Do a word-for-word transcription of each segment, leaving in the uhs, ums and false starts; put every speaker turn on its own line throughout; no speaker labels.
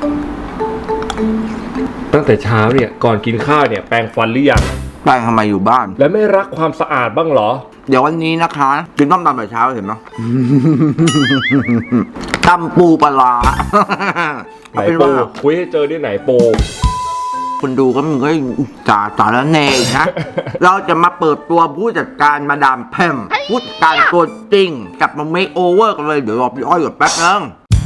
ตั้งแต่เช้าเนี่ยก่อนกินข้าวเนี่ยแปรงฟันหรือยัง
แปรงทำไมอยู่บ้าน
แล้วไม่รักความสะอาดบ้างเหรอ
เดี๋ยววันนี้นะคะกินต้มตำแต่เช้าเห็นไหมตำปูปลา
ไหนปูคุยให้เจอที่ไหนปู
คุณดูก็มันก็จ่าสารเนยนะเราจะมาเปิดตัวผู้จัดการมาดามแพมผู้จัดการตัวจริงกับมาเมคโอเวอร์กันเลยเดี๋ยวรอพี่อ้อยก่อนแป๊บนึง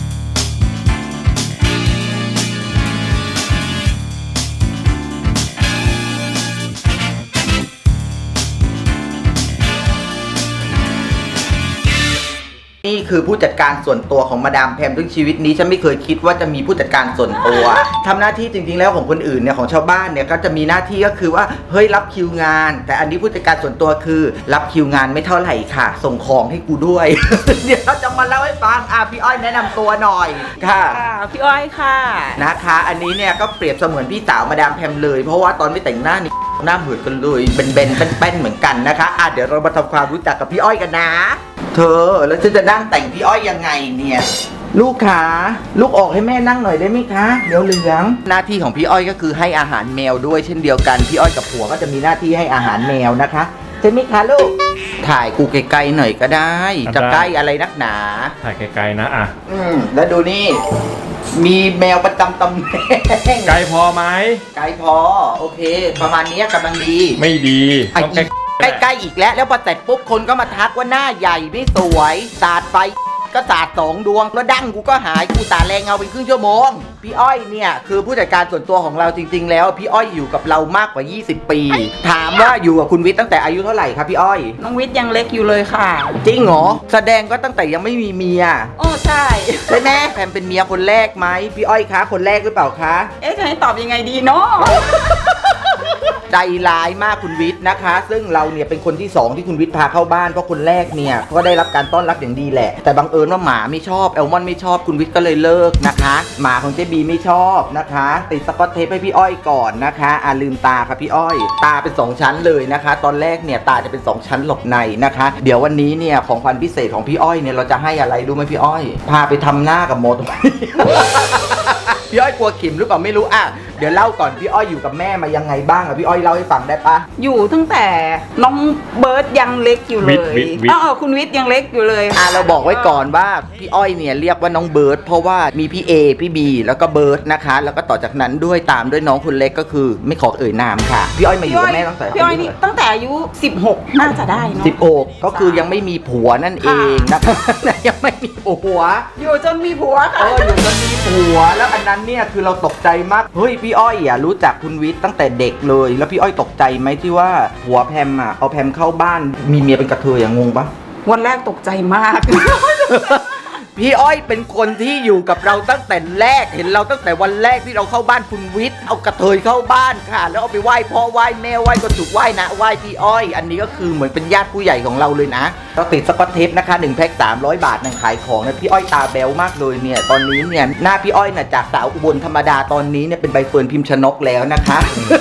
นี่คือผู้จัดการส่วนตัวของมาดามแพมทั้งชีวิตนี้ฉันไม่เคยคิดว่าจะมีผู้จัดการส่วนตัวทำหน้าที่จริงๆแล้วของคนอื่นเนี่ยของชาวบ้านเนี่ยก็จะมีหน้าที่ก็คือว่าเฮ้ยรับคิวงานแต่อันนี้ผู้จัดการส่วนตัวคือรับคิวงานไม่เท่าไหร่ค่ะส่งของให้กูด้วย เดี๋ยวเราจะมาเล่าให้ฟังอ่ะพี่อ้อยแนะนำตัวหน่อยค่ะ
พี่อ้อยค่ะ
นะคะอันนี้เนี่ยก็เปรียบเสมือนพี่สาวมาดามแพมเลยเพราะว่าตอนไม่แต่งหน้านี่หน้าเหมือนกันเลยเบนๆแป้นๆเหมือนกันนะคะอ่ะเดี๋ยวเรามาทำความรู้จักกับพี่อ้อยกันนะเธอแล้วฉันจะนั่งแต่งพี่อ้อยยังไงเนี่ยลูกขาลูกออกให้แม่นั่งหน่อยได้ไหมคะเดี๋ยวเหลืองหน้าที่ของพี่อ้อยก็คือให้อาหารแมวด้วยเช่นเดียวกันพี่อ้อยกับผัวก็จะมีหน้าที่ให้อาหารแมวนะคะใช่ไหมคะลูกถ่ายกูไกลๆหน่อยก็ได้จะใกล้อะไรนักหนา
ถ่ายไกลๆนะอ่ะ
อืมแล้วดูนี่มีแมวประจำตำแหน่ง
ไกลพอไหม
ไกลพอโอเคประมาณนี้กำลังดี
ไม่ดี
ต้องใกล้ๆอีกแล้วแล้วพอเสร็จปุ๊บคนก็มาทักว่าหน้าใหญ่ไม่สวยสาดไฟก็สาดสองดวงแล้วดั้งกูก็หายกูตาแรงเงาเป็นครึ่งชั่วโมงพี่อ้อยเนี่ยคือผู้จัดการส่วนตัวของเราจริงๆแล้วพี่อ้อยอยู่กับเรามากกว่ายี่สิบปีถามว่าอยู่กับคุณวิทย์ตั้งแต่อายุเท่าไหร่ครับพี่อ้อย
น้องวิทย์ยังเล็กอยู่เลยค่ะ
จริงเหรอแสดงก็ตั้งแต่ยังไม่มีเมีย
โอ้ใช่
ใช่ไหมแพมเป็นเมียคนแรกไหมพี่อ้อยคะคนแรกหรือเปล่าคะ
เอ๊ะจะให้ตอบยังไงดีเนาะ
ใจร้ายมากคุณวิทย์นะคะซึ่งเราเนี่ยเป็นคนที่สองที่คุณวิทย์พาเข้าบ้านเพราะคนแรกเนี่ยก็ได้รับการต้อนรับอย่างดีแหละแต่บังเอิญว่าหมาไม่ชอบแอลมอนไม่ชอบคุณวิทย์ก็เลยเลิกนะคะหมาของเจบีไม่ชอบนะคะติดสกอตเทปให้พี่อ้อยก่อนนะคะอ่าลืมตาค่ะพี่อ้อยตาเป็นสองชั้นเลยนะคะตอนแรกเนี่ยตาจะเป็นสองชั้นหลบในนะคะเดี๋ยววันนี้เนี่ยของขวัญพิเศษของพี่อ้อยเนี่ยเราจะให้อะไรรู้ไหมพี่อ้อยพาไปทำหน้ากับโมด พี่อ้อยกลัวขิมหรือเปล่าไม่รู้อ่ะเดี๋ยวเล่าก่อนพี่อ้อยอยู่กับแม่มายังไงบ้างอ่ะพี่อ้อยเล่าให้ฟังได้ปะ
อยู่ตั้งแต่น้องเบิร์ดยังเล็กอยู่เลยอ๋อคุณวิทย์ยังเล็กอยู่เลย
อ่ะเราบอกไว้ก่อนว่าพี่อ้อยเนี่ยเรียกว่าน้องเบิร์ดเพราะว่ามีพี่เอพี่บีแล้วก็เบิร์ดนะคะแล้วก็ต่อจากนั้นด้วยตามด้วยน้องคนเล็กก็คือไม่ขอเอ่ยนามค่ะพี่อ้อยมาอยู่กับแม่ตั้งแต่
พี่อ้อยนี่ตั้งแต่อายุสิบหกน่าจะได้เนาะ
สิบหกก็คือยังไม่มีผัวนั่นเองนะคะยังไม่มีผัว
อยู่จนมีผัวค่ะ
เอออยู่จนมีผัวแล้วอันนั้นเนี่ยคือเราตกใจมากเฮ้ยพี่อ้อยอ่ะรู้จักคุณวิทย์ตั้งแต่เด็กเลยแล้วพี่อ้อยตกใจไหมที่ว่าผัวแพมอ่ะเอาแพมเข้าบ้านมีเมียเป็นกระเทยอย่างงงปะ
วันแรกตกใจมาก
พี่อ้อยเป็นคนที่อยู่กับเราตั้งแต่แรกเห็นเราตั้งแต่วันแรกที่เราเข้าบ้านคุณวิทย์เอากระเทยเข้าบ้านค่ะแล้วเอาไปไหว้พ่อไหว้แม่ไหว้ก็ถูกไหว้นะไหว้พี่อ้อยอันนี้ก็คือเหมือนเป็นญาติผู้ใหญ่ของเราเลยนะเราติดสกอตเทปนะคะหนึ่งแพ็คสามร้อยบาทนั่งขายของนะพี่อ้อยตาแบ๊วมากเลยเนี่ยตอนนี้เนี่ยหน้าพี่อ้อยน่ะจากสาวอุบลธรรมดาตอนนี้เนี่ยเป็นใบเฟิร์นพิมพ์ชนกแล้วนะคะ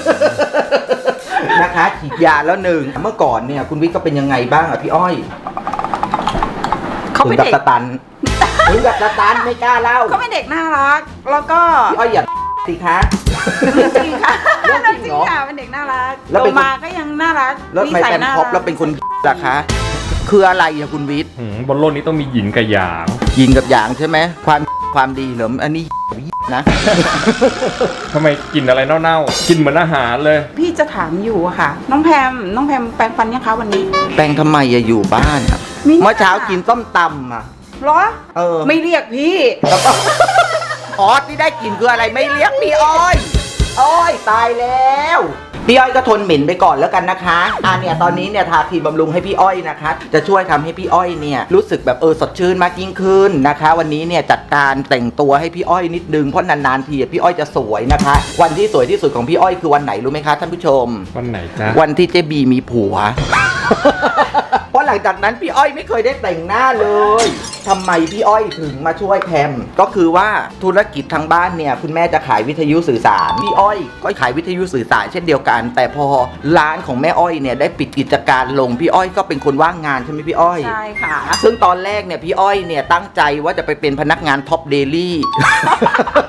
นะคะฉีดยาแล้วหนึ่งเมื่อก่อนเนี่ยคุณวิทย์ก็เป็นยังไงบ้างอ่ะพี่อ้อย
เขาเป็นเด็ก
สตันถึงกับสตันไม่กล้าเล่า
เขาเป็นเด็กน่ารักแล้วก็
พี่อ้อยอย่าสิคะ
จริงค่ะเรื่องจริงค่ะเป็นเด็กน่ารักโตมาก็ยังน่ารัก
แล้วไม่เป็นท็อปแล้วเป็นคนล่ะคะคืออะไรอะคุณวิทย์
บนโลกนี้ต้องมีหยินกับหยาง
หยินกับหยางใช่ไหมความความดีเหรออันนี้นะ
ทำไมกินอะไรเน่าๆกินเหมือนอาหารเลย
พี่จะถามอยู่อะค่ะน้องแพมน้องแพมแปรงฟันยังคะวันนี้
แปรงทำไมอะอยู่บ้านอะเมื่อเช้ากินต้มตำอะ
หรอเออไม่เรียกพี่
อ๋อที่ได้กินคืออะไรไม่เรียกพี่อ้อยอ้อยตายแล้วพี่อ้อยก็ทนเหม็นไปก่อนแล้วกันนะคะอ่าเนี่ยตอนนี้เนี่ยทาครีมบำรุงให้พี่อ้อยนะคะจะช่วยทำให้พี่อ้อยเนี่ยรู้สึกแบบเออสดชื่นมากยิ่งขึ้นนะคะวันนี้เนี่ยจัดการแต่งตัวให้พี่อ้อยนิดนึงเพราะนานๆทีพี่อ้อยจะสวยนะคะวันที่สวยที่สุดของพี่อ้อยคือวันไหนรู้ไหมคะท่านผู้ชม
วันไหนจ๊ะ
วันที่เจบีมีผัว เพราะหลังจากนั้นพี่อ้อยไม่เคยได้แต่งหน้าเลยทำไมพี่อ้อยถึงมาช่วยแพมก็คือว่าธุรกิจทางบ้านเนี่ยคุณแม่จะขายวิทยุสื่อสารพี่อ้อยก็ขายวิทยุสื่อสารเช่นเดียวกันแต่พอร้านของแม่อ้อยเนี่ยได้ปิดกิจการลงพี่อ้อยก็เป็นคนว่างงานใช่ไหมพี่อ้อย
ใช่ค่ะ
ซึ่งตอนแรกเนี่ยพี่อ้อยเนี่ยตั้งใจว่าจะไปเป็นพนักงานท็อปเดลี่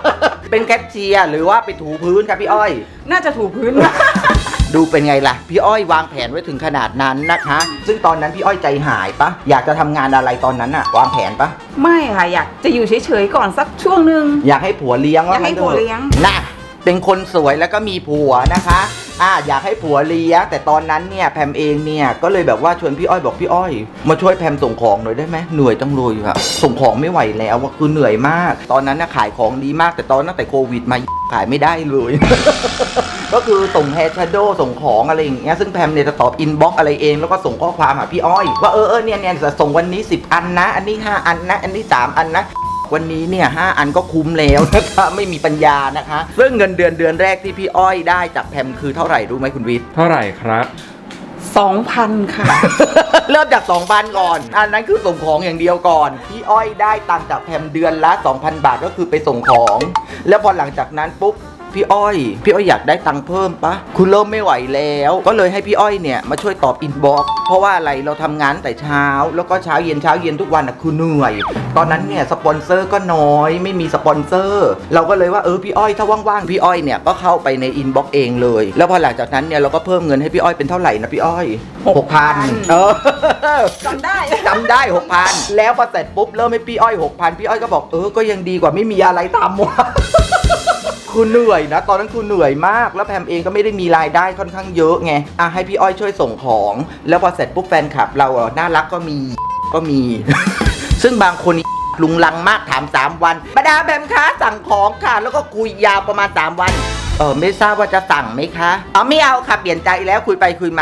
เป็นแคชเชียร์หรือว่าไปถูพื้นครับพี่อ้อย
น่าจะถูพื้น
ดูเป็นไงล่ะพี่อ้อยวางแผนไว้ถึงขนาดนั้นนะคะ ซึ่งตอนนั้นพี่อ้อยใจหายปะอยากจะทำงานอะไรตอนนั้นอะวางแผนปะ
ไม่ค่ะอยากจะอยู่เฉยๆก่อนสักช่วงหนึ่ง
อยากให้ผัวเลี้ยง
อยากให้ผัวเลี้ยง
นะเป็นคนสวยแล้วก็มีผัวนะคะอ่าอยากให้ผัวเลี้ยงแต่ตอนนั้นเนี่ยแพมเองเนี่ยก็เลยแบบว่าชวนพี่อ้อยบอกพี่อ้อยมาช่วยแพมส่งของหน่อยได้ไหมเหนื่อยจังเลยค่ะส่งของไม่ไหวแล้วว่าคือเหนื่อยมาก ตอนนั้นนะขายของดีมากแต่ตอนตั้งแต่โควิดมาขายไม่ได้เลย ก็คือส่งแฮร์ชโดส่งของอะไรอย่างเงี้ยซึ่งแพมเนี่ยจะตอบอินบ็อกอะไรเองแล้วก็ส่งข้อความหาพี่อ้อยว่าเออเออเนี่ยเนี่ยจะส่งวันนี้สิบอันนะอันนี้ห้าอันนะอันนี้สามอันนะวันนี้เนี่ยห้าอันก็คุ้มแล้วนะคะไม่มีปัญญานะคะซึ่งเงินเดือนเดือนแรกที่พี่อ้อยได้จากแพมคือเท่าไหร่รู้ไหมคุณวิทย์
เท่าไหร่ครับ
สองพันค่ะ
เริ่มจาก สองพัน ก่อน อันนั้นคือส่งของอย่างเดียวก่อน พี่อ้อยได้ตังค์จากแพมเดือนละ สองพัน บาทก็คือไปส่งของ แล้วพอหลังจากนั้นปุ๊บ พี่อ้อย พี่อ้อยอยากได้ตังค์เพิ่มปะคุณเริ่มไม่ไหวแล้ว ก็เลยให้พี่อ้อยเนี่ยมาช่วยตอบอินบ็อกซ์ เพราะว่าอะไร เราทำงานแต่เช้า แล้วก็เช้าเย็นเช้าเย็นทุกวันอ่ะคือเหนื่อย ตอนนั้นเนี่ยสปอนเซอร์ก็น้อย ไม่มีสปอนเซอร์ เราก็เลยว่าเออพี่อ้อยถ้าว่างๆ พี่อ้อยเนี่ยก็เข้าไปในอินบ็อกซ์เองเลย แล้วพอหลังจากนั้นเนี่ยเราก็เพิ่มเงินให้พี่อ้อยเป็นเท่าไหร่นะพี่อ้อย หกพัน เออ
จำได้
จำได้ หกพัน แล้วพอเสร็จปุ๊บเริ่มให้พี่อ้อย หกพัน พี่อ้อยก็บอกเออก็ยังดีกว่าไม่มีอะไรทำวะ คือเหนื่อยนะตอนนั้นคือเหนื่อยมากแล้วแพมเองก็ไม่ได้มีรายได้ค่อนข้างเยอะไงอ่ะให้พี่อ้อยช่วยส่งของแล้วพอเสร็จปุ๊บแฟนคลับเราอ่ะน่ารักก็มีก็มี ซึ่งบางคนลุงลังมากถามสามวันมาดามแพมคะสั่งของค่ะแล้วก็คุยยาวประมาณสามวันเออไม่ทราบว่าจะสั่งไหมคะอ๋อไม่เอาค่ะเปลี่ยนใจแล้วคุยไปคุยมา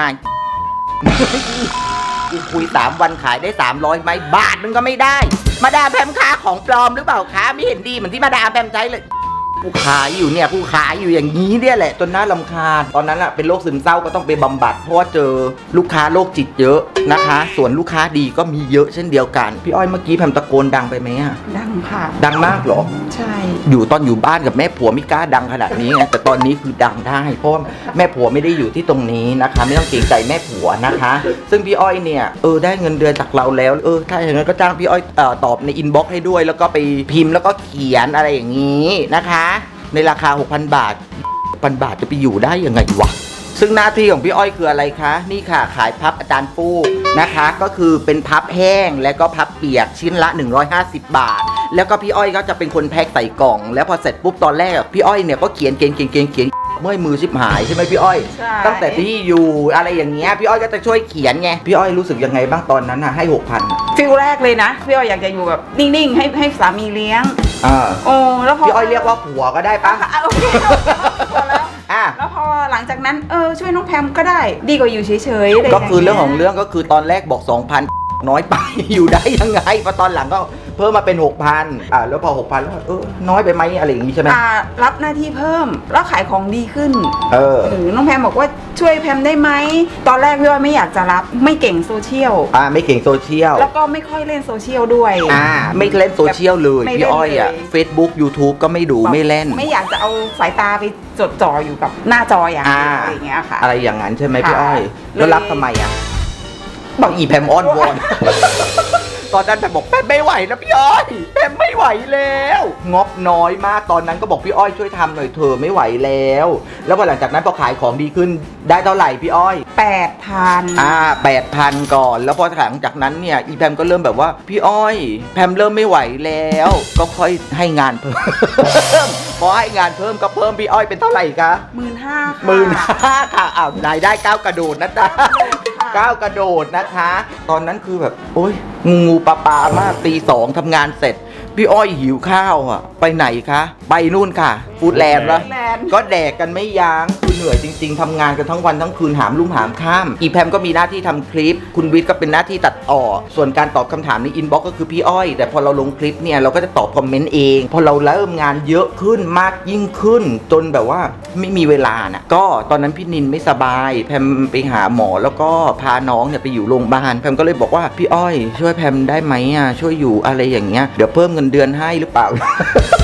กูคุยสามวันขายได้สามร้อยไหมบาทนึงก็ไม่ได้มาดามแพมคะของปลอมหรือเปล่าคะไม่เห็นดีเหมือนที่มาดามแพมใช้เลยกูขายอยู่เนี่ยกูขายอยู่อย่างนี้เนี่ยแหละจนน่ารำคาญตอนนั้นอะเป็นโรคซึมเศร้าก็ต้องไปบำบัดเพราะว่าเจอลูกค้าโรคจิตเยอะนะคะ ส่วนลูกค้าดีก็มีเยอะเช่นเดียวกันพี่อ้อยเมื่อกี้แพมตะโกนดังไปไหมอะ
ดังค่ะ
ดังมากเหรอ
ใช่
อยู่ตอนอยู่บ้านกับแม่ผัวไม่กล้าดังขนาดนี้ไงแต่ตอนนี้คือดังได้เพราะว่าแม่ผัวไม่ได้อยู่ที่ตรงนี้นะคะไม่ต้องเกรงใจแม่ผัวนะคะ ซึ่งพี่อ้อยเนี่ยเออได้เงินเดือนจากเราแล้วเออถ้าอย่างนั้นก็จ้างพี่อ้อยเอ่อตอบในอินบ็อกซ์ให้ด้วยแล้วก็ไปพิมพ์แล้วก็เขียนอะไรอย่างนี้นะคะในราคา หกพัน บาท หกพัน บาทจะไปอยู่ได้ยังไงวะซึ่งหน้าที่ของพี่อ้อยคืออะไรคะนี่ค่ะขายพับอาจารย์ฟูกนะคะก็คือเป็นพับแห้งและก็พับเปียกชิ้นละหนึ่งร้อยห้าสิบบาทแล้วก็พี่อ้อยก็จะเป็นคนแพ็คใส่กล่องแล้วพอเสร็จปุ๊บตอนแรกพี่อ้อยเนี่ยก็เขียนเขียนเขียนเขียนเขียนเมื่อยมือชิบหายใช่ไหมพี่อ้อย
ใช่
ตั้งแต่ที่อยู่อะไรอย่างเงี้ยพี่อ้อยก็จะช่วยเขียนไงพี่อ้อยรู้สึกยังไงบ้างตอนนั้นน่ะให้ หกพัน
ฟิลแรกเลยนะพี่อ้อยอยากจะอยู่แบบนิ่งๆให้ให้สามีเลี้ยง
อ่า
โอ้แล้วพอ
พี่อ้อยเรียกว่าผัวก็ได้ปะ
อ่ะโอเคพอแล้ว
อ่ะ
แล้วพอหลังจากนั้นเออช่วยน้องแพมก็ได้ดีกว่าอยู่เฉยๆะไร
ก็คือเรื่องของ
ย่า
เรื่องก็คือตอนแรกบอก สองพัน น้อยไป อยู่ได้ยังไงพอตอนหลังก็เพิ่มมาเป็น หกพัน อ่าแล้วพอ หกพัน แล้วเออน้อยไปไหมอะไรอย่างงี้ใช่ไหม
อ่ารับหน้าที่เพิ่มแล้วขายของดีขึ้น
เออ
หรือน้องแพมบอกว่าช่วยแพมได้ไหมตอนแรกพี่อ้อยไม่อยากจะรับไม่เก่งโซเชียล
อ่าไม่เก่งโซเชียล
แล้วก็ไม่ค่อยเล่นโซเชียลด้วย
อ่าไม่เล่นโซเชียลเลย
ไม่เล่น
พี่อ้อยอ่ะ
เลย
Facebook YouTube ก็ไม่ดูไม่เล่น
ไม่อยากจะเอาสายตาไปจดจ่ออยู่กับหน้าจออย่างเดียว
อ่า
อะไรอย่างเงี้ยค่ะ
อะไรอย่างนั้นใช่ไหมพี่
ค่ะ
อ้อย
เลย
แล้วรับทำไมอ่ะบอกอีแพมอ้อนวอน ตอนนั้นแพมบอกแพมไม่ไหวแล้วพี่อ้อยแพมไม่ไหวแล้วงบน้อยมากตอนนั้นก็บอกพี่อ้อยช่วยทำหน่อยเถอะไม่ไหวแล้ว แล้วพอหลังจากนั้นพอขายของดีขึ้นได้เท่าไหร่พี่อ้อย
แปดพัน
อ่าแปดพันก่อนแล้วพอหลังจากนั้นเนี่ยอีแพมก็เริ่มแบบว่าพี่อ้อยแพมเริ่มไม่ไหวแล้วก็ค่อยให้งานเพิ่ม พอให้งานเพิ่มก็เพิ่มพี่อ้อยเป็นเท่าไหร่คะ
หมื่นห้าค่ะ
หมื่นห้าค่ะอ้าวรายได้ก้าวกระโดดนะจ๊ะก้าวกระโดดนะคะ ตอนนั้นคือแบบโอ๊ยงูงูปลาปลามากตีสองทำงานเสร็จพี่อ้อยหิวข้าวอ่ะไปไหนคะไปนู่นค่ะฟู้ดแลนด์แล้ว
แลนด์
ก็แดกกันไม่ยั้งคือเหนื่อยจริงๆทำงานกันทั้งวันทั้งคืนหามลุ่มหามข้ามอีแพมก็มีหน้าที่ทำคลิปคุณวิทย์ก็เป็นหน้าที่ตัดต่อส่วนการตอบคำถามในอินบ็อกซ์ก็คือพี่อ้อยแต่พอเราลงคลิปเนี่ยเราก็จะตอบคอมเมนต์เองพอเราเริ่มงานเยอะขึ้นมากยิ่งขึ้น จนแบบว่าไม่มีเวลานะก็ตอนนั้นพี่นินไม่สบายแพมไปหาหมอแล้วก็พาน้องเนี่ยไปอยู่โรงพยาบาลแพมก็เลยบอกว่าพี่อ้อยช่วยแพมได้ไหมอ่ะช่วยอยู่อะไรอย่างเงี้ยเดี๋ยวเพิ่มเงินเดือนให้หรือเปล่า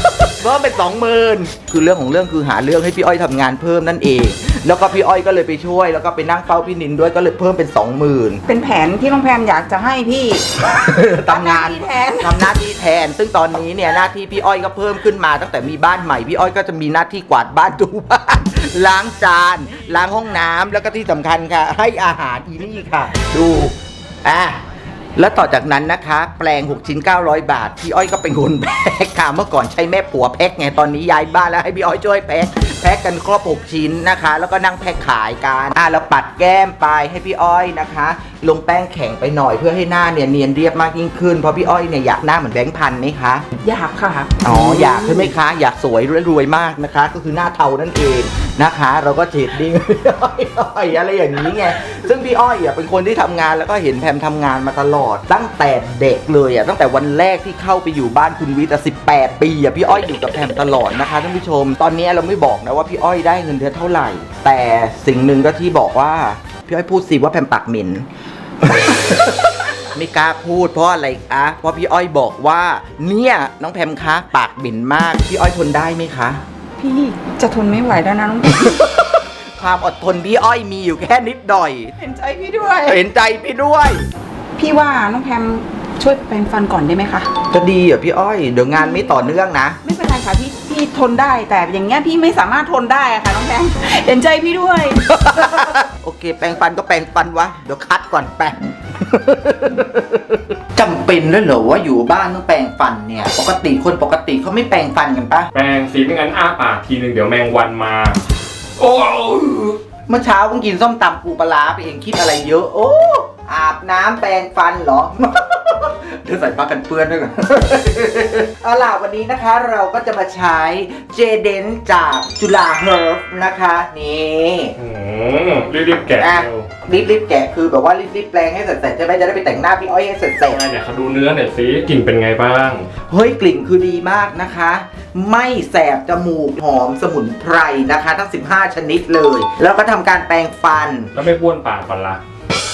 เพิ่มเป็นสองหมื่นคือเรื่องของเรื่องคือหาเรื่องให้พี่อ้อยทำงานเพิ่มนั่นเอง แล้วก็พี่อ้อยก็เลยไปช่วยแล้วก็ไปนั่งเฝ้าพี่นินด้วยก็เลยเพิ่มเป็นสองหมื่น
เป็นแผนที่น้องแพมอยากจะให้พี่
ทำงาน
ทำหน้าที่แทน
ทำหน้าที่แทน ซึ่งตอนนี้เนี่ยหน้าที่พี่อ้อยก็เพิ่มขึ้นมาตั้งแต่มีบ้านใหม่พี่อ้อยก็จะมีหน้าที่กวาดบ้านถูบ้าน ล้างจานล้างห้องน้ำแล้วก็ที่สำคัญค่ะ ให้อาหารอีนี่ค่ะ ดูอ่ะแล้วต่อจากนั้นนะคะ แปลงหกชิ้นเก้าร้อยบาทพี่อ้อยก็เป็นคนแพ็คค่ะเมื่อก่อนใช้แม่ผัวแพ็คไงตอนนี้ย้ายบ้านแล้วให้พี่อ้อยช่วยแพ็คแพ็คกันครบหกชิ้นนะคะ แล้วก็นั่งแพ็คขายกันอ่ะแล้วปัดแก้มไปให้พี่อ้อยนะคะ ลงแป้งแข็งไปหน่อยเพื่อให้หน้าเนี่ยเนียนเรียบมากยิ่งขึ้นเพราะพี่อ้อยเนี่ยอยากหน้าเหมือนแบงค์พันไหมคะ
อยากค่ะ
อ๋ออยากใช่ไหมคะ อยากสวยรวยๆมากนะคะ ก็คือหน้าเทานั่นเองนะคะ เราก็เฉดดิ้ง พี่อ้อยอ้อยอะไรอย่างนี้ไงซึ่งพี่อ้อยอ่ะเป็นคนที่ทำงานแล้วก็เห็นแพมทำงานมาตลอด ตั้งแต่เด็กเลยอ่ะตั้งแต่วันแรกที่เข้าไปอยู่บ้านคุณวิทย์อ่ะสิบแปดปีอ่ะพี่อ้อยอยู่กับแพมตลอดนะคะท่านผู้ชม ตอนนี้เราไม่บอกนะว่าพี่อ้อยได้เงินเดือนเท่าไหร่ แต่สิ่งหนึ่งก็ที่บอกว่าพี่อ้อยพูดสิว่าแพมปากเหม็น ไม่กล้าพูดเพราะอะไรคะเพราะพี่อ้อยบอกว่าเนี่ยน้องแพมคะปากเหม็นมากพี่อ้อยทนได้ไหมคะ
พี่จะทนไม่ไหวแล้วนะน้องแพม
ความอดทนพี่อ้อยมีอยู่แค่นิดหน่อย
เห็นใจพี่ด้วย
เห็นใจพี่ด้วย
พี่ว่าน้องแพมช่วยแปรงฟันก่อนได้ไหมคะ
จะดีเหรอพี่อ้อยเดี๋ยวงานไม่ต่อเนื่องนะ
ไม่เป็นไรค่ะพี่พี่ทนได้แต่อย่างเงี้ยพี่ไม่สามารถทนได้อะค่ะน้องแพม เห็นใจพี่ด้วย
โอเค แปรงฟันก็แปรงฟันวะเดี๋ยวคัดก่อนแปรง จำเป็นด้วยเหรอว่าอยู่บ้านต้องแปรงฟันเนี่ย ปกติคนปกติเขาไม่แปรงฟันกันปะ
แปรงสีไม่งั้นอ้าปากทีนึงเดี๋ยวแมงวันมา โอ้
เมื่อเช้าเพิ่งกินส้มตำปูปลาร้าไปเองคิดอะไรเยอะ โอ้อาบน้ำแปรงฟันเหรอ เดี๋ยวใส่ผ้ากันเปื้อนด้วยกัน เอาล่ะวันนี้นะคะเราก็จะมาใช้เจเดนจากจุฬาเฮิร์บนะคะนี่
อืมรีบๆแกะ
อ่ะ
เร็ว
รีบรีบๆแกะคือแบบว่ารีบรีบๆแปลงให้เสร็จๆใช่ไหมจะได้ไปแต่งหน้าพี่อ้อยให้เสร็จ
เป็นไงเนี่ยเขาดูเนื้อหน่อยสิกลิ่นเป็นไงบ้าง
ๆเฮ้ยกลิ่นคือดีมากนะคะ ไม่แสบจมูกหอมสมุนไพรนะคะ ทั้งสิบห้าชนิดเลย แล้วก็ทำการแปรงฟัน
แล้วไม่บ้วนปากก่อนละ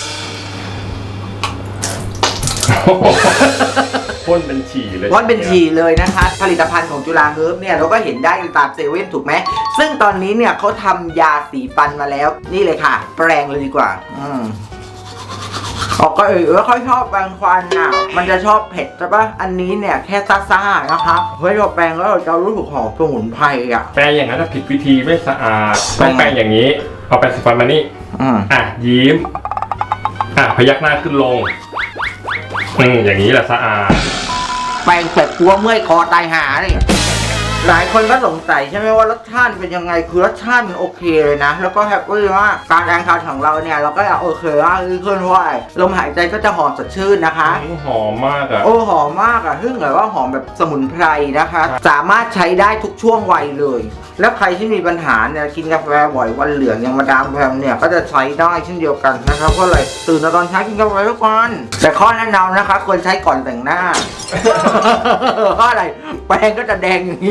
พ่นเป็นฉี่เลย
พ่นเป็นฉี่เลยนะคะ ผลิตภัณฑ์ของจุฬาเฮิร์บเนี่ยเราก็เห็นได้ตามเซเว่นถูกไหมซึ่งตอนนี้เนี่ยเขาทำยาสีฟันมาแล้วนี่เลยค่ะ แปรงเลยดีกว่าอืมออกก็เออไม่ค่อยชอบแปรงฟันอ่ะมันจะชอบเผ็ดใช่ปะอันนี้เนี่ยแค่ซ่าๆนะคะเฮ้ยเราแปรงแล้วเราจะรู้สึกหอมสมุนไพรอ่ะ
แปรงอย่างนั้นถ้าผิดวิธีไม่สะอาดต้องแปรงอย่างนี้ เอาแปรงสีฟันมานี่
อืม
อ่ะยิ้ม อ่ะพยักหน้าขึ้นลง อืมอย่างนี้แหละสะอาด
แปรงเสร็จกลัวเมื่อยคอตายหาเนี่ยหลายคนก็สงสัยใช่ไหมว่ารสชาติเป็นยังไงคือรสชาติมันโอเคเลยนะแล้วก็แฮปปี้มากการแปรงฟันของเราเนี่ยเราก็อยากโอเคว่าคือขึ้นว่าลมหายใจก็จะหอมสดชื่นนะคะ
หอมมากอ่ะ
โอ้หอมมากอ่ะซึ่งแบบว่าหอมแบบสมุนไพรนะคะ สามารถใช้ได้ทุกช่วงวัยเลย แล้วใครที่มีปัญหาเนี่ยกินกาแฟบ่อยวันเหลืองอย่างมาดามแพมเนี่ยก็จะใช้ได้เช่นเดียวกันนะครับเพราะอะไรตื่นตอนเช้ากินกาแฟทุกวันแต่ข้อแนะนำนะคะควรใช้ก่อนแต่งหน้า เพราะอะไรแปรงก็จะแดงอย่างนี้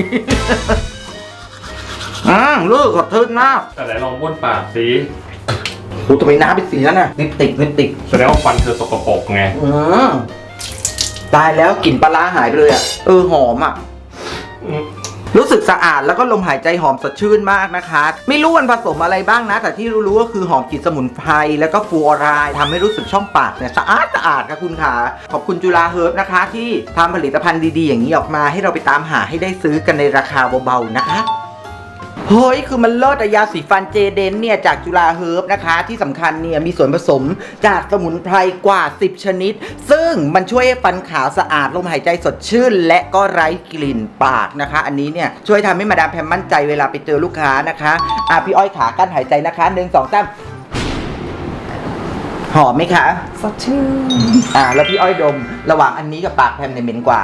อืมลูกขอบคุณมาก
แต่ไหนลองบ้วนปากสิ
โอ้ทำไมน้ำเป็นสีนั้นน่ะลิปติกลิปติก
แสดงว่าฟันเธอสกปรกไง
อืมตายแล้วกลิ่นปลาร้าหายไปเลยอ่ะเออหอมอ่ะ
อืม
รู้สึกสะอาดแล้วก็ลมหายใจหอมสดชื่นมากนะคะ ไม่รู้มันผสมอะไรบ้างนะ แต่ที่รู้ๆก็คือหอมกลิ่นสมุนไพรแล้วก็ฟลูออไรด์ทำให้รู้สึกช่องปากเนี่ยสะอาดสะอาดค่ะคุณขาขอบคุณจุฬาเฮิร์บนะคะ ที่ทำผลิตภัณฑ์ดีๆอย่างนี้ออกมาให้เราไปตามหาให้ได้ซื้อกันในราคาเบาๆนะคะเฮ้ยคือมันเลิศอะยาสีฟันเจเดนเนี่ยจากจุฬาเฮิร์บนะคะที่สำคัญเนี่ยมีส่วนผสมจากสมุนไพรกว่าสิบชนิด ซึ่งมันช่วยให้ฟันขาวสะอาดลมหายใจสดชื่น และก็ไร้กลิ่นปากนะคะ อันนี้เนี่ยช่วยทำให้มาดามแพมมั่นใจเวลาไปเจอลูกค้านะคะอ่ะพี่อ้อยขากั้นหายใจนะคะหนึ่งสองสามหอมไหมคะ
สดชื่น
อ่ะแล้วพี่อ้อยดมระหว่างอันนี้กับปากแพมเนี่ยเหม็นกว่า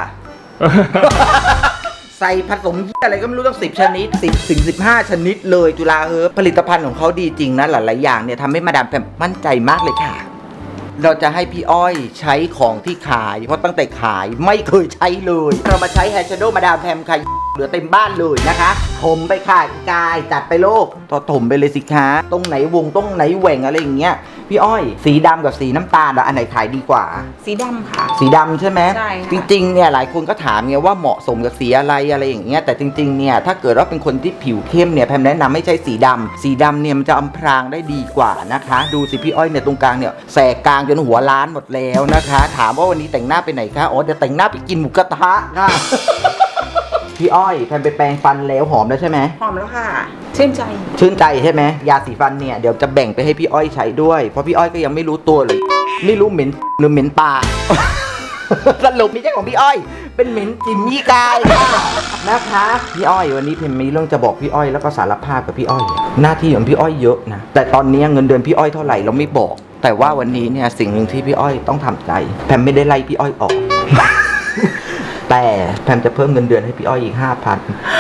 ใส่ผสมอะไรก็ไม่รู้ตั้งสิบชนิดสิบถึงสิบห้าชนิดเลยจุฬาเฮิร์บผลิตภัณฑ์ของเขาดีจริงนะหลายๆอย่างเนี่ยทำให้มาดามแพมมั่นใจมากเลยค่ะ เราจะให้พี่อ้อยใช้ของที่ขายเพราะตั้งแต่ขายไม่เคยใช้เลยเรามาใช้แฮชโดว์มาดามแพมค่ะเหลือเต็มบ้านเลยนะคะถมไปค่ะอีกายจัดไปโลกต่อถมไปเลยสิคะตรงไหนวงตรงไหนแหว่งอะไรอย่างเงี้ยพี่อ้อยสีดำกับสีน้ำตาลอันไหนขายดีกว่า
สีดำค่ะ
สีดำใช่ไหม
ใช่ค่ะ
จริงๆเนี่ยหลายคนก็ถามไงว่าเหมาะสมกับสีอะไรอะไรอย่างเงี้ยแต่จริงๆเนี่ยถ้าเกิดว่าเป็นคนที่ผิวเข้มเนี่ยแพมแนะนำไม่ใช่สีดำสีดำเนี่ยมันจะอำพรางได้ดีกว่านะคะดูสิพี่อ้อยเนี่ยตรงกลางเนี่ยแสกกลางจนหัวล้านหมดแล้วนะคะถามว่าวันนี้แต่งหน้าไปไหนคะอ๋อเดี๋ยวแต่งหน้าไปกินหมูกระทะค่ะ พี่อ้อยแพมไปแปรงฟันแล้วหอมแล้วใช่ไหม
หอมแล้วค่ะชื่นใจ
ชื่นใจใช่ไหมยาสีฟันเนี่ยเดี๋ยวจะแบ่งไปให้พี่อ้อยใช้ด้วยเพราะพี่อ้อยก็ยังไม่รู้ตัวเลยไม่รู้เหม็นหรือเหม็นปลา สรุปไม่ใช่ของพี่อ้อยเป็นเหม็นจิมมี่กายค่ะนะคะพี่อ้อยวันนี้เพมมีเรื่องจะบอกพี่อ้อยแล้วก็สารภาพกับพี่อ้อยหน้าที่ของพี่อ้อยเยอะนะแต่ตอนนี้เงินเดือนพี่อ้อยเท่าไหร่เราไม่บอก แต่ว่าวันนี้เนี่ยสิ่งหนึ่งที่พี่อ้อยต้องทำใจแพมไม่ได้ไล่พี่อ้อยออก แต่แพมจะเพิ่มเงินเดือนให้พี่อ้อยอีกห้าพัน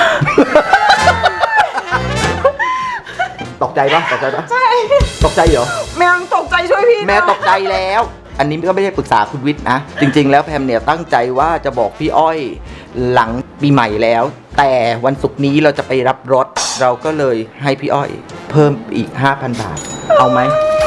ตกใจปะตกใจปะ
ใช่
ตกใจเหรอ
แม่ตกใจช่วยพี่
แม่ตกใจแล้ว อันนี้ก็ไม่ได้ปรึกษาคุณวิทย์นะ จริงๆ แล้วแพมเนี่ยตั้งใจว่าจะบอกพี่อ้อยหลังปีใหม่แล้ว แต่วันศุกร์นี้เราจะไปรับรถ เราก็เลยให้พี่อ้อยเพิ่มอีก ห้าพัน บาท เอาไหม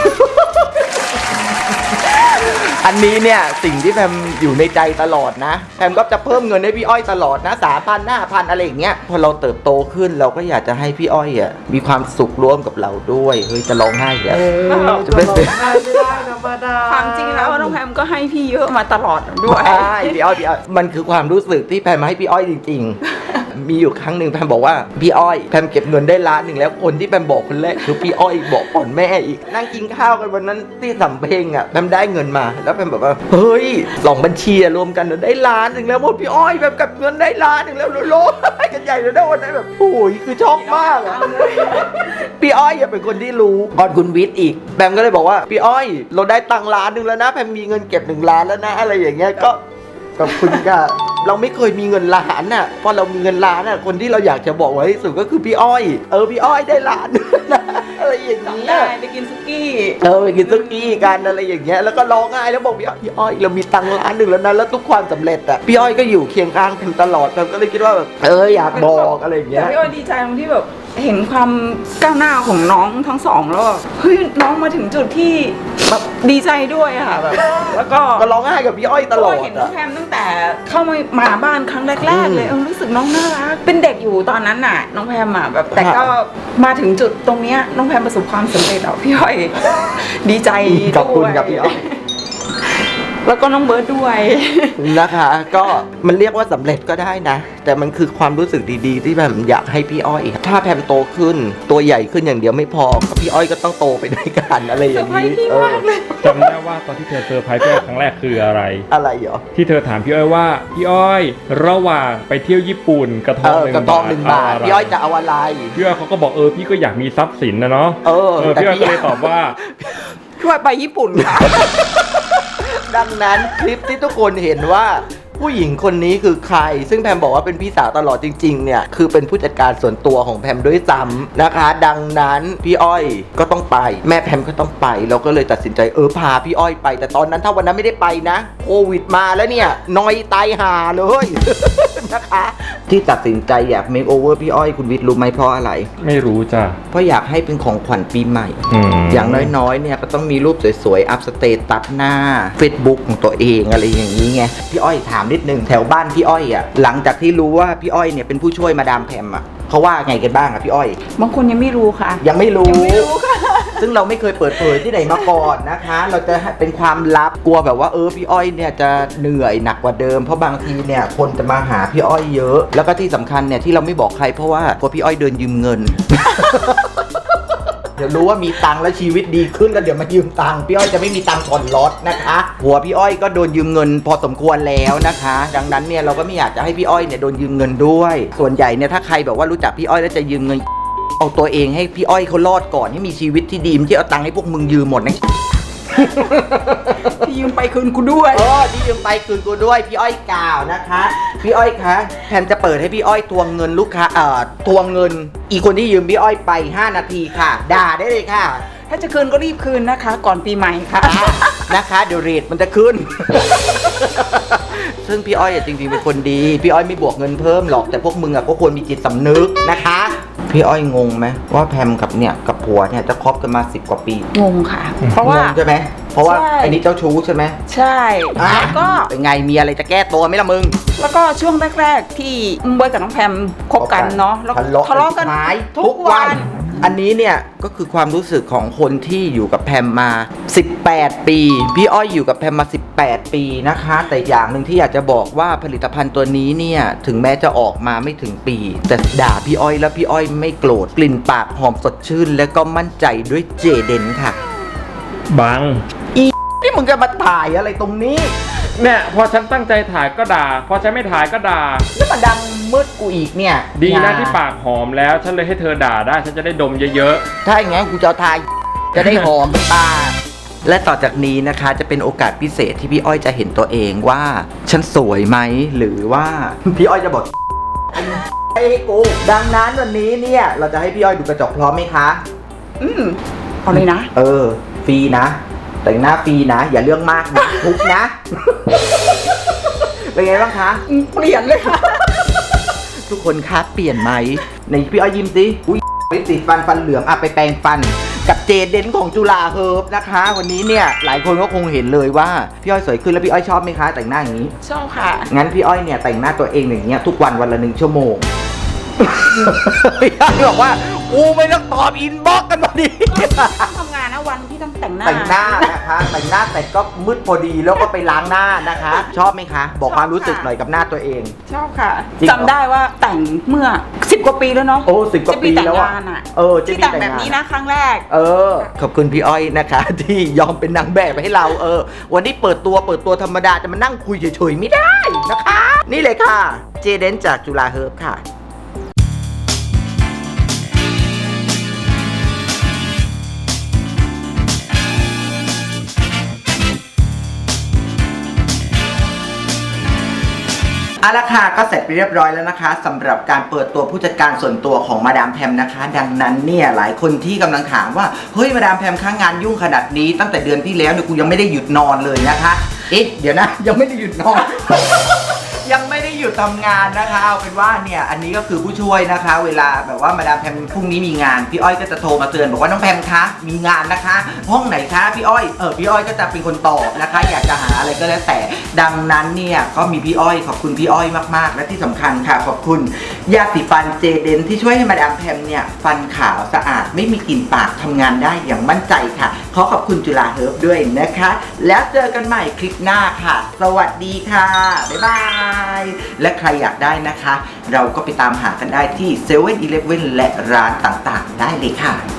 อันนี้เนี่ยสิ่งที่แพมอยู่ในใจตลอดนะแพมก็จะเพิ่มเงินให้พี่อ้อยตลอดนะสามพันห้าพันอะไรอย่างเงี้ยพอเราเติบโตขึ้นเราก็อยากจะให้พี่อ้อยอ่ะมีความสุขร่วมกับเราด้วยเฮ้ยจะร้องไห้แล้วจะเป็น
ไม่ได้ธรรมดา
ความจริงแล้วน้องแพมก็ให้พี่เยอะมาตลอดด้วย
ใช่พี่อ้อยพี่อ้อยมันคือความรู้สึกที่แพมให้พี่อ้อยจริงๆ มีอยู่ครั้งหนึ่งแพมบอกว่าพี่อ้อยแพมเก็บเงินได้ล้านหนึ่งแล้วคนที่แพมบอกคนแรกคือพี่อ้อยบอกก่อนแม่อีกนั่งกินข้าวกันวันนั้นที่สำเพ็งอ่ะแพมได้เงินมาแล้วแพมบอกว่าเฮ้ยสองบัญชีรวมกันได้ล้านหนึ่งแล้วหมดพี่อ้อยแพมเก็บเงินได้ล้านหนึ่งแล้วโลดกันใหญ่เลยนะวันนั้นแบบโอ้ยคือช็อกมากอะพี่อ้อยอย่าเป็นคนที่รู้ก่อนคุณวิทย์อีกแพมก็เลยบอกว่าพี่อ้อยเราได้ตังค์ล้านหนึ่งแล้วนะแพมมีเงินเก็บหนึ่งล้านแล้วนะอะไรอย่างเงี้ยก็ขอบคุณค่ะเราไม่เคยมีเงินล้านน่ะพอเรามีเงินล้านน่ะคนที่เราอยากจะบอกไว้ที่สุดก็คือพี่อ้อยเออพี่อ้อยได้ล้านนะอะไรอย่างเงี้ย
ได้ไปกินซุกี้
เออไปกินซุกี้กันอะไรอย่างเงี้ยแล้วก็ร้องไห้แล้วบอกพี่อ้อยพี่อ้อยเรามีตังค์ล้านหนึ่งแล้วนะแล้วทุกความสำเร็จอ่ะพี่อ้อยก็อยู่เคียงข้างกันตลอดเราก็เลยคิดว่าแบบเอออยากบอกอะไรอย่างเงี้
แต่
ย
พี่อ้อยดีใจตรงที่แบบเห็นความก้าวหน้าของน้องทั้งสองแล้วแบบเฮ้ยน้องมาถึงจุดที่แบบดีใจด้วยอะค่ะแบบแล้วก็
ก็ร้องไห้กับพี่อ้อยตลอด
เห็นน้อ
อ่ะ
งแพมตั้งแต่เข้ามามาบ้านครั้งแรกๆเลยเออรู้สึกน้องน่ารักเป็นเด็กอยู่ตอนนั้นน่ะ น้องแพมอ่ะแบบแต่ก็มาถึงจุดตรงเนี้ยน้องแพมประสบความสำเร็จแล้วพี่อ้อย ดีใจ
ขอบคุณ
ด้วย
กับพี่อ้อย
แล้วก็น้องเบิร์ดด้วย
นะคะก็มันเรียกว่าสำเร็จก็ได้นะ แต่มันคือความรู้สึกดีๆ ที่แบบอยากให้พี่อ้อย ถ้าแพมโตขึ้นตัวใหญ่ขึ้นอย่างเดียวไม่พอก็พี่อ้อยก็ต้องโตไปด้วยกันอะไรอย่างนี้
เซอร์ไพรส์พี่มากเลย
จำได้ว่าตอนที่เธอเซอร์ไพรส์พี่อ้อยครั้งแรกคืออะไร
อะไรเหรอ
ที่เธอถามพี่อ้อยว่าพี่อ้อยระหว่างไปเที่ยวญี่ปุ่นกระท
เอ
อง
อ
หนึ่ง
กระทองหนึ่งบาท
เะไร
พี่อ้อยจะเอาอะไร
พี่อ้อยเขาก็บอกเออพี่ก็อยากมีทรัพย์สินนะเนาะ
เออ
เออ
แต่
พี่อ้อย
พี่
ก็เลยตอบว่า
ช่วยไปญี่ปุ่นค่ะ
ดังนั้นคลิปที่ทุกคนเห็นว่าผู้หญิงคนนี้คือใคร ซึ่งแพมบอกว่าเป็นพี่สาวตลอดจริงๆเนี่ยคือเป็นผู้จัดการส่วนตัวของแพมด้วยซ้ำนะคะ ดังนั้นพี่อ้อยก็ต้องไป แม่แพมก็ต้องไปเราก็เลยตัดสินใจเออพาพี่อ้อยไปแต่ตอนนั้นถ้าวันนั้นไม่ได้ไปนะโควิดมาแล้วเนี่ยนอยตายห่าเลย นะคะที่ตัดสินใจอยากเมคโอเวอร์พี่อ้อยคุณวิทย์รู้ไหมเพราะอะไร
ไม่รู้จ้ะ
เพราะอยากให้เป็นของขวัญปีใหม่
อืม
อย่างน้อยๆ เนี่ยก็ต้องมีรูปสวยๆ อัพสเตตัสหน้า Facebook ของตัวเองอะไรอย่างนี้ไง พี่อ้อยถามนิดนึงแถวบ้านพี่อ้อยอ่ะ หลังจากที่รู้ว่าพี่อ้อยเนี่ยเป็นผู้ช่วยมาดามแพมอ่ะเขาว่าไงกันบ้างอ่ะพี่อ้อย
บางคนยังไม่รู้ค่ะ
ยังไม่รู้
ยังไม่รู้ค่ะ
ซึ่งเราไม่เคยเปิดเผยที่ไหนมาก่อนนะคะ เราจะเป็นความลับกลัวแบบว่าเออพี่อ้อยเนี่ยจะเหนื่อยหนักกว่าเดิมเพราะบางทีเนี่ยคนจะมาหาพี่อ้อยเยอะ แล้วก็ที่สำคัญเนี่ยที่เราไม่บอกใครเพราะว่ากลัวพี่อ้อยเดินยืมเงิน เดี๋ยวรู้ว่ามีตังค์แล้วชีวิตดีขึ้นแล้วเดี๋ยวมายืมตังค์พี่อ้อยจะไม่มีตังค์ผ่อนรถนะคะหัวพี่อ้อยก็โดนยืมเงินพอสมควรแล้วนะคะ ดังนั้นเนี่ยเราก็ไม่อยากจะให้พี่อ้อยเนี่ยโดนยืมเงินด้วย ส่วนใหญ่เนี่ยถ้าใครแบบว่ารู้จักพี่อ้อยแล้วจะยืมเงินเอาตัวเองให้พี่อ้อยเขารอดก่อนให้มีชีวิตที่ดีไม่ใช่เอาตังค์ให้พวกมึงยืมหมดนะ
พี่ยืมไปคืนกูด้วย
เออที่ยืมไปคืนกูด้วยพี่อ้อยกล่าวนะคะพี่อ้อยคะแพมจะเปิดให้พี่อ้อยทวงเงินลูกค้าเอ่อทวงเงิน อีกคนที่ยืมพี่อ้อยไปห้านาทีค่ะด่าได้เลยค่ะ
ถ้าจะคืนก็รีบคืนนะคะ ก่อนปีใหม่ค่ะ
นะคะเดี๋ยวเรทมันจะขึ้นซึ่งพี่อ้อยอะจริงๆเป็นคนดีพี่อ้อยไม่บวกเงินเพิ่มหรอกแต่พวกมึงอะก็ควรมีจิตสำนึกนะคะพี่อ้อยงงไหมว่าแพมกับเนี่ยกับผัวเนี่ยจะคบกันมาสิบกว่าปี
งงค่ะ เพราะว่าง
งใช่ไหมเพราะว่า
ใช่
ไอ้นี่เจ้าชู้ใช่ไหม
ใช่
อ่ะ
แล้วก็
เป็นไงมีอะไรจะแก้ตัวไหมล่ะมึง
แล้วก็ช่วงแรกๆที่เบิร์ดกับน้องแพมคบกันเนาะแล้ว
ทะเลาะ
ทะเลาะกัน
หาย
ทุกวัน
อันนี้เนี่ยก็คือความรู้สึกของคนที่อยู่กับแพมมาสิบแปดปีพี่อ้อยอยู่กับแพมมาสิบแปดปีนะคะ แต่อย่างหนึ่งที่อยากจะบอกว่าผลิตภัณฑ์ตัวนี้เนี่ยถึงแม้จะออกมาไม่ถึงปี แต่ด่าพี่อ้อยแล้วพี่อ้อยไม่โกรธกลิ่นปากหอมสดชื่น และก็มั่นใจด้วยเจเดนค่ะ
บัง
นี่มึงจะมาถ่ายอะไรตรงนี้
เนี่ยพอฉันตั้งใจถ่ายก็ด่า พอฉันไม่ถ่ายก็ด่า
แล้วมาดังมืดกูอีกเนี่ย
ดีนะ
อย่
ที่ปากหอมแล้ว ฉันเลยให้เธอด่าได้ ฉันจะได้ดมเยอะ
ถ้าอย่างงั้นกูจะเอาทายจะได้หอมตา และต่อจากนี้นะคะจะเป็นโอกาสพิเศษที่พี่อ้อยจะเห็นตัวเองว่า ฉันสวยไหมหรือว่า พี่อ้อยจะบอกไอ้กูดังนั้นวันนี้เนี่ยเราจะให้พี่อ้อยดูกระจกพร้อมไหมคะ
อืมเอาเลยนะ
เออฟรีนะ แต่งหน้าฟรีนะ อย่าเรื่องมากนะทุกนะ เป็นไงบ้างคะ
เปลี่ยนเลยค่ะ
ทุกคนคะเปลี่ยนไหมในพี่อ้อยยิ้มสิอุ้ยไปติดฟันฟันเหลืองอ่ะไปแปรงฟัน กับเจเดนของจุฬาเฮิร์บนะคะ วันนี้เนี่ยหลายคนก็คงเห็นเลยว่าพี่อ้อยสวยขึ้นแล้วพี่อ้อยชอบไหมคะแต่งหน้าอย่างนี้
ชอบค่ะ
งั้นพี่อ้อยเนี่ยแต่งหน้าตัวเองอย่างเงี้ยทุกวันวันละหนึ่งชั่วโมง พี่อ้อยบอกว่ากูไม่ต้องตอบอินบ็อกซ์กันพอดี
ทำงานนะวันที่ต้องแต่งหน้า
แต่งหน้านะคะแต่งหน้าแต่ก็มืดพอดีแล้วก็ไปล้างหน้านะคะ ชอบไหมคะ บอกความรู้สึกหน่อยกับหน้าตัวเอง
ชอบค่ะ
จริงเหรอ
จำได้ว่าแต่งเมื่อสิบกว่าปีแล้วเนาะ
โอ้สิบกว่าปีแล้วอะ
ที่แต่งงานอะ
เออที่
ที่แต่ง
แต่ง
แบบ
งาน
นี้นะครั้งแรก
เออ ขอบคุณพี่อ้อยนะคะ ที่ยอมเป็นนางแบบให้เราเออ วันนี้เปิดตัวเปิดตัวธรรมดาจะมานั่งคุยเฉยๆไม่ได้นะคะ นี่เลยค่ะ เจเดนจากจุฬาเฮิร์บค่ะ เอาละค่ะก็เสร็จไปเรียบร้อยแล้วนะคะสำหรับการเปิดตัวผู้จัดการส่วนตัวของมาดามแพมนะคะ ดังนั้นเนี่ยหลายคนที่กำลังถามว่าเฮ้ยมาดามแพมค้างงานยุ่งขนาดนี้ตั้งแต่เดือนที่แล้วเนี่ยกูยังไม่ได้หยุดนอนเลยนะคะเอ๊ะเดี๋ยวนะยังไม่ได้หยุดนอน ยังไม่ได้หยุดทำงานนะคะเอาเป็นว่าเนี่ยอันนี้ก็คือผู้ช่วยนะคะ เวลาแบบว่ามาดามแพมพรุ่งนี้มีงานพี่อ้อยก็จะโทรมาเตือนบอกว่าน้องแพมคะมีงานนะคะ ห้องไหนคะพี่อ้อยเออพี่อ้อยก็จะเป็นคนตอบนะคะ อยากจะหาอะไรก็แล้วแต่ดังนั้นเนี่ยก็มีพี่อ้อยขอบคุณพี่อ้อยมากๆและที่สำคัญค่ะขอบคุณยาสีฟันเจเดนที่ช่วยให้มาดามแพมเนี่ยฟันขาวสะอาดไม่มีกลิ่นปากทำงานได้อย่างมั่นใจค่ะขอขอบคุณจุฬาเฮิร์บด้วยนะคะ แล้วเจอกันใหม่คลิปหน้าค่ะ สวัสดีค่ะบ๊ายบายและใครอยากได้นะคะ เราก็ไปตามหากันได้ที่เซเว่นอีเลฟเว่นและร้านต่างๆได้เลยค่ะ